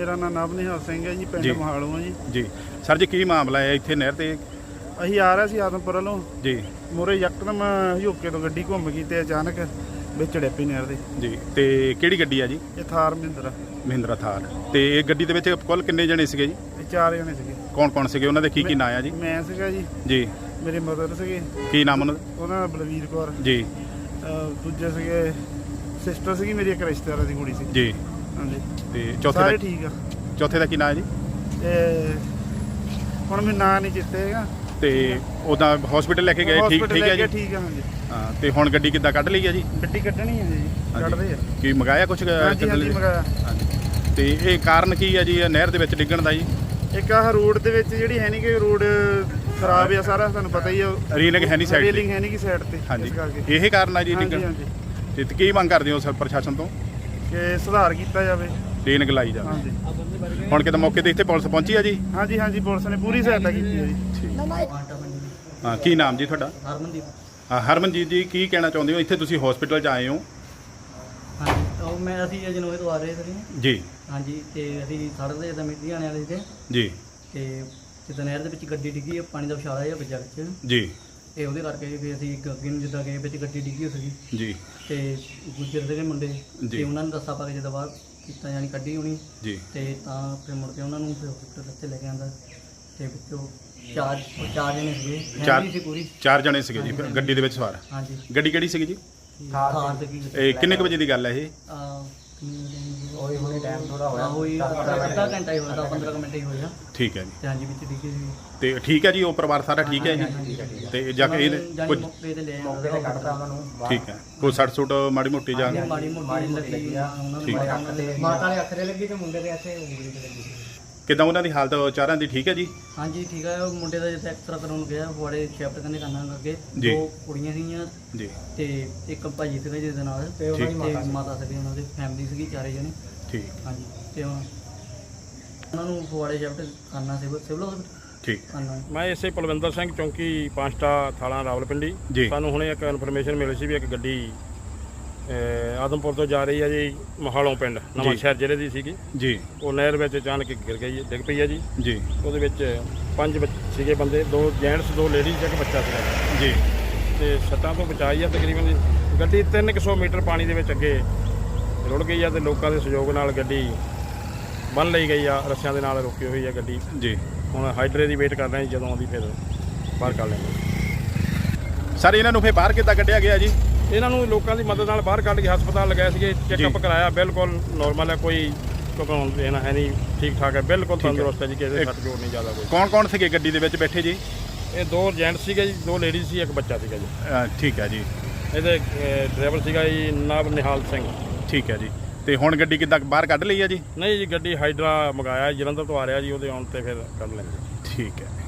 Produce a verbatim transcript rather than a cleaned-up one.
मेरा नाम नव निहाल सिंह है जी, पिंड महालों जी। जी सर जी, की मामला है इत्थे नहर ते? ਅਸੀਂ ਆ ਰਹੇ ਸੀ ਆਦਮਪੁਰ ਵੱਲੋਂ जी ਮੂਹਰੇ ਯਕਦਮ ਹਯੋਕੇ ਤੋਂ ਗੱਡੀ ਘੁੰਮ ਗਈ ਤੇ ਅਚਾਨਕ ਵਿੱਚ ਡਿੱਪੀ ਨਹਿਰ ਦੇ। जी ਤੇ ਕਿਹੜੀ ਗੱਡੀ ਆ ਜੀ? ਇਹ ਥਾਰ ਮਹਿੰਦਰਾ ਮਹਿੰਦਰਾ ਥਾਰ। ਤੇ ਇਹ ਗੱਡੀ ਦੇ ਵਿੱਚ ਕੁੱਲ ਕਿੰਨੇ ਜਣੇ ਸੀਗੇ ਜੀ? ਇਹ ਚਾਰ ਜਣੇ ਸੀਗੇ। ਕੌਣ ਕੌਣ ਸੀਗੇ, ਉਹਨਾਂ ਦੇ ਕੀ ਕੀ ਨਾਂ ਆ ਜੀ? ਮੈਂ ਸੀਗਾ ਜੀ, ਜੀ ਮੇਰੇ ਮਦਰ ਸੀਗੇ, ਕੀ ਨਾਮ ਉਹਨਾਂ ਦਾ? ਉਹਨਾਂ ਦਾ ਬਲਵੀਰ ਕੌਰ ਜੀ। ਅਹ ਦੂਜੇ ਸੀਗੇ ਸਿਸਟਰ ਸੀਗੀ ਮੇਰੀ, ਇੱਕ ਰਿਸ਼ਤੇਦਾਰਾਂ ਦੀ ਕੁੜੀ ਸੀ ਜੀ। ਹਾਂਜੀ। ਤੇ ਚੌਥੇ ਸਾਰੇ ਦਾ? ਠੀਕ ਆ। ਚੌਥੇ ਦਾ ਕੀ ਨਾਂ ਹੈ ਜੀ? ਤੇ ਹੁਣ ਮੈਨੂੰ ਨਾਂ ਨਹੀਂ ਚੇਤੇ ਹੈਗਾ। ਤੇ ਉਹਦਾ ਹਸਪੀਟਲ ਲੈ ਕੇ ਗਏ? ਠੀਕ ਠੀਕ ਹੈ ਜੀ। ਠੀਕ ਆ ਹਾਂਜੀ। ਹਾਂ ਤੇ ਹੁਣ ਗੱਡੀ ਕਿੱਦਾਂ ਕੱਢ ਲਈ ਆ ਜੀ? ਗੱਡੀ ਕੱਢਣੀ ਹੈ ਜੀ, ਕੱਢਦੇ ਆ। ਕੀ ਮੰਗਾਇਆ ਕੁਛ? ਹਾਂਜੀ ਹਾਂਜੀ ਮੰਗਾਇਆ। ਤੇ ਇਹ ਕਾਰਨ ਕੀ ਹੈ ਜੀ ਨਹਿਰ ਦੇ ਵਿੱਚ ਡਿੱਗਣ ਦਾ ਜੀ? ਇੱਕ ਆਹ ਰੋਡ ਦੇ ਵਿੱਚ ਜਿਹੜੀ ਹੈ ਨਹੀਂ ਕਿ ਰੋਡ ਖਰਾਬ ਆ ਸਾਰਾ, ਤੁਹਾਨੂੰ ਪਤਾ ਹੀ ਆ। ਰੀਲਿੰਗ ਹੈ ਨਹੀਂ ਸਾਈਡ ਤੇ? ਰੀਲਿੰਗ ਹੈ ਨਹੀਂ ਕਿ ਸਾਈਡ ਤੇ। ਹਾਂਜੀ, ਇਸ ਕਰਕੇ ਇਹ ਕਾਰਨ ਆ ਜੀ ਹਾਂਜੀ ਡਿੱਗਣ। ਹਾਂਜੀ। ਤੇ ਕੀ ਮੰਗ ਕਰਦੇ ਹੋ ਸਰ ਪ੍ਰਸ਼ਾਸਨ ਤੋਂ? ਕਿ ਸੁਧਾਰ ਕੀਤਾ ਜਾਵੇ, ਰੀਲਿੰਗ ਲਾਈ ਜਾਵੇ। ਹਾਂਜੀ। ਹੁਣ ਕਿਤੇ ਮੌਕੇ ਤੇ ਇੱਥੇ ਪੁਲਿਸ ਪਹੁੰਚੀ ਆ ਜੀ? ਹਾਂਜੀ ਹਾਂਜੀ, ਪੁਲਿਸ ਨੇ ਪੂਰੀ ਸਹਾਇਤਾ ਕੀਤੀ ਹੈ ਜੀ। ਹਾਂ, ਕੀ ਨਾਮ ਜੀ ਤੁਹਾਡਾ? ਹਰਮਨਦੀਪ। ਹਾਂ ਹਰਮਨਜੀਤ ਜੀ, ਕੀ ਕਹਿਣਾ ਚਾਹੁੰਦੇ ਹੋ? ਇੱਥੇ ਤੁਸੀਂ ਹਸਪੀਟਲ 'ਚ ਆਏ ਹੋ? ਹਾਂਜੀ, ਉਹ ਮੈਂ ਅਸੀਂ ਜਨੋਏ ਤੋਂ ਆ ਰਹੇ ਸੀ ਜੀ। ਹਾਂਜੀ। ਤੇ ਅਸੀਂ ਸੜਕ ਤੇ ਜਿੱਦਾਂ ਮਿੱਟੀ ਆਣੇ ਵਾਲੇ ਸੀ ਜੀ। ਤੇ ਜਿੱਦਾਂ ਨਹਿਰ ਦੇ ਵਿੱਚ ਗੱਡੀ ਡਿੱਗੀ, ਪਾਣੀ ਦਾ ਵਿਛਾਲਾ ਜਿਹਾ ਵੱਜਾ ਵਿੱਚ। ਜੀ। ਤੇ ਉਹਦੇ ਕਰਕੇ ਫਿਰ ਅਸੀਂ ਅੱਗੇ ਨੂੰ ਜਿੱਦਾਂ ਗਏ, ਵਿੱਚ ਗੱਡੀ ਡਿੱਗੀ ਸੀਗੀ। ਜੀ। ਤੇ ਗੁੱਜਰ ਦੇ ਮੁੰਡੇ ਜੀ। ਤੇ ਉਹਨਾਂ ਨੂੰ ਦੱਸਾ ਪਾ ਕੇ ਜਿੱਦਾਂ ਬਾਹਰ ਕੀਤਾ, ਯਾਨੀ ਕੱਢੀ ਹੋਣੀ। ਜੀ। ਤੇ ਤਾਂ ਫਿਰ ਮੁੜ ਕੇ ਉਹਨਾਂ ਨੂੰ ਫਿਰ ਹਸਪੀਟਲ ਉੱਤੇ ਲੈ ਕੇ ਆਂਦਾ। ਤੇ ਵਿੱਚੋਂ ਚਾਰ ਚਾਰ ਜਣੇ ਸੀਗੇ, ਚਾਰ ਫੈਮਿਲੀ ਸੀ ਪੂਰੀ। ਚਾਰ ਜਣੇ ਸੀਗੇ ਜੀ ਗੱਡੀ ਦੇ ਵਿੱਚ ਸਵਾਰ? ਹਾਂਜੀ। ਗੱਡੀ ਕਿਹੜੀ ਸੀਗੀ ਜੀ? ਥਾਰ ਸੀਗੀ। ਇਹ ਕਿੰਨੇ ਕੁ ਵਜੇ ਦੀ ਗੱਲ ਹੈ ਇਹ? ਹੋਈ ਹੋਈ ਟਾਈਮ ਥੋੜਾ ਹੋਇਆ, ਹੋਈ ਅੱਧਾ ਘੰਟਾ ਹੀ ਹੋਇਆ, ਪੰਦਰਾਂ ਮਿੰਟ ਹੀ ਹੋਇਆ। ਠੀਕ ਹੈ ਜੀ। ਤੇ ਹਾਂਜੀ, ਵਿੱਚ ਡਿੱਗੀ ਸੀ। ਤੇ ਠੀਕ ਹੈ ਜੀ, ਉਹ ਪਰਿਵਾਰ ਸਾਰਾ ਠੀਕ ਹੈ ਜੀ? ਤੇ ਜਾ ਕੇ ਇਹ ਕੁਝ ਮੌਕੇ ਤੇ ਲੈ ਆਉਂਦਾ ਕੱਢਦਾ ਉਹਨਾਂ ਨੂੰ। ਠੀਕ ਹੈ, ਕੋਈ ਸੱਟ ਸੁੱਟ ਮਾੜੀ ਮੋਟੀ ਜਾਂ? ਮਾੜੀ ਮੋਟੀ ਲੱਗੀ ਆ ਉਹਨਾਂ ਠੀਕ ਹੈ। ਨੂੰ। ਮਾਤਾ ਦੇ ਅੱਖਰੇ ਲੱਗੀ ਤੇ ਮੁੰਡੇ ਦੇ ਇੱਥੇ ਉਂਗਲੀ ਤੇ ਲੱਗੀ। ਕਿੱਦਾਂ ਉਹਨਾਂ ਦੀ ਹਾਲਤ ਚਾਰਾਂ ਦੀ ਠੀਕ ਹੈ ਜੀ? ਹਾਂਜੀ ਠੀਕ ਹੈ। ਉਹ ਮੁੰਡੇ ਦਾ ਜਿੱਥੇ ਐਕਸਰਾ ਕਰਾਉਣ ਗਿਆ, ਫੁਆੜੇ ਸ਼ਿਫਟ ਕਰਨੇ ਕਰਨਾ ਅੱਗੇ। ਜੀ। ਦੋ ਕੁੜੀਆਂ ਸੀਗੀਆਂ ਜੀ। ਤੇ ਇੱਕ ਭਾਜੀ ਸੀਗਾ ਜਿਹਦੇ ਨਾਲ, ਤੇ ਉਹਨਾਂ ਦੀ ਮਾਤਾ ਸੀਗੀ, ਉਹਨਾਂ ਦੀ ਫੈਮਿਲੀ ਸੀਗੀ ਚਾਰੇ ਜਣੇ। ਠੀਕ। ਹਾਂਜੀ। ਤੇ ਉਹਨਾਂ ਨੂੰ ਫੁਆੜੇ ਸ਼ਿਫਟ ਕਰਨਾ ਸੀ ਸਿਵਲ ਹਸਪਤਾਲ। ਠੀਕ। ਕਰਨਾ। ਮੈਂ ਇਸੇ ਪਲਵਿੰਦਰ ਸਿੰਘ, ਚੌਂਕੀ ਪਾਂਚਟਾ, ਥਾਣਾ ਰਾਵਲਪਿੰਡੀ। ਜੀ। ਸਾਨੂੰ ਹੁਣੇ ਇੱਕ ਇਨਫੋਰਮੇਸ਼ਨ ਮਿਲੀ ਸੀ ਵੀ ਇੱਕ ਗੱਡੀ ਆਦਮਪੁਰ ਤੋਂ ਜਾ ਰਹੀ ਹੈ ਜੀ, ਮਹਾਲੋਂ ਪਿੰਡ, ਨਵਾਂ ਸ਼ਹਿਰ ਜ਼ਿਲ੍ਹੇ ਦੀ ਸੀਗੀ। ਜੀ। ਉਹ ਨਹਿਰ ਵਿੱਚ ਅਚਾਨਕ ਗਿਰ ਗਈ, ਡਿੱਗ ਪਈ ਹੈ ਜੀ। ਜੀ। ਉਹਦੇ ਵਿੱਚ ਪੰਜ ਬੱਚੇ ਸੀਗੇ ਬੰਦੇ, ਦੋ ਜੈਂਟਸ, ਦੋ ਲੇਡੀਜ਼, ਇੱਕ ਬੱਚਾ ਸੀਗਾ ਜੀ। ਤੇ ਸੱਟਾਂ ਤੋਂ ਬਚਾਈ ਆ ਤਕਰੀਬਨ ਜੀ। ਗੱਡੀ ਤਿੰਨ ਕੁ ਸੌ ਮੀਟਰ ਪਾਣੀ ਦੇ ਵਿੱਚ ਅੱਗੇ ਰੁੜ ਗਈ ਆ, ਤੇ ਲੋਕਾਂ ਦੇ ਸਹਿਯੋਗ ਨਾਲ ਗੱਡੀ ਬੰਨ੍ਹ ਲਈ ਗਈ ਆ, ਰੱਸਿਆਂ ਦੇ ਨਾਲ ਰੁਕੀ ਹੋਈ ਆ ਗੱਡੀ। ਜੀ। ਹੁਣ ਹਾਈਡਰੇ ਦੀ ਵੇਟ ਕਰ ਰਹੇ ਹਾਂ, ਜਦੋਂ ਆਉਂਦੀ ਫਿਰ ਬਾਹਰ ਕੱਢ ਲੈਂਦੇ। ਸਰ ਇਹਨਾਂ ਨੂੰ ਫਿਰ ਬਾਹਰ ਕਿੱਦਾਂ ਕੱਢਿਆ ਗਿਆ ਜੀ? ਇਹਨਾਂ ਨੂੰ ਲੋਕਾਂ ਦੀ ਮਦਦ ਨਾਲ ਬਾਹਰ ਕੱਢ ਕੇ ਹਸਪਤਾਲ ਲਗਾਏ ਸੀਗੇ, ਚੈੱਕਅਪ ਕਰਾਇਆ, ਬਿਲਕੁਲ ਨੋਰਮਲ ਹੈ, ਕੋਈ ਘਬਰਾਉਣ ਦੇਣਾ ਹੈ ਨਹੀਂ, ਠੀਕ ਠਾਕ ਹੈ, ਬਿਲਕੁਲ ਤੰਦਰੁਸਤ ਹੈ ਜੀ, ਕਿਸੇ ਦੇ ਸੱਟ ਜੋੜ ਨਹੀਂ ਜ਼ਿਆਦਾ ਕੋਈ। ਕੌਣ ਕੌਣ ਸੀਗੇ ਗੱਡੀ ਦੇ ਵਿੱਚ ਬੈਠੇ ਜੀ? ਇਹ ਦੋ ਜੈਂਟ ਸੀਗੇ ਜੀ, ਦੋ ਲੇਡੀਜ਼ ਸੀ, ਇੱਕ ਬੱਚਾ ਸੀਗਾ ਜੀ। ਅ, ਠੀਕ ਹੈ ਜੀ। ਇਹਦੇ ਡਰਾਈਵਰ ਸੀਗਾ ਜੀ ਨਵ ਨਿਹਾਲ ਸਿੰਘ। ਠੀਕ ਹੈ ਜੀ। ਤੇ ਹੁਣ ਗੱਡੀ ਕਿੱਦਾਂ ਬਾਹਰ ਕੱਢ ਲਈ ਹੈ ਜੀ? ਨਹੀਂ ਜੀ, ਗੱਡੀ ਹਾਈਡਰਾ ਮੰਗਾਇਆ, ਜਲੰਧਰ ਤੋਂ ਆ ਰਿਹਾ ਜੀ, ਉਹਦੇ ਆਉਣ ਤੇ ਫਿਰ ਕੱਢ ਲੈਂਦੇ। ਠੀਕ ਹੈ।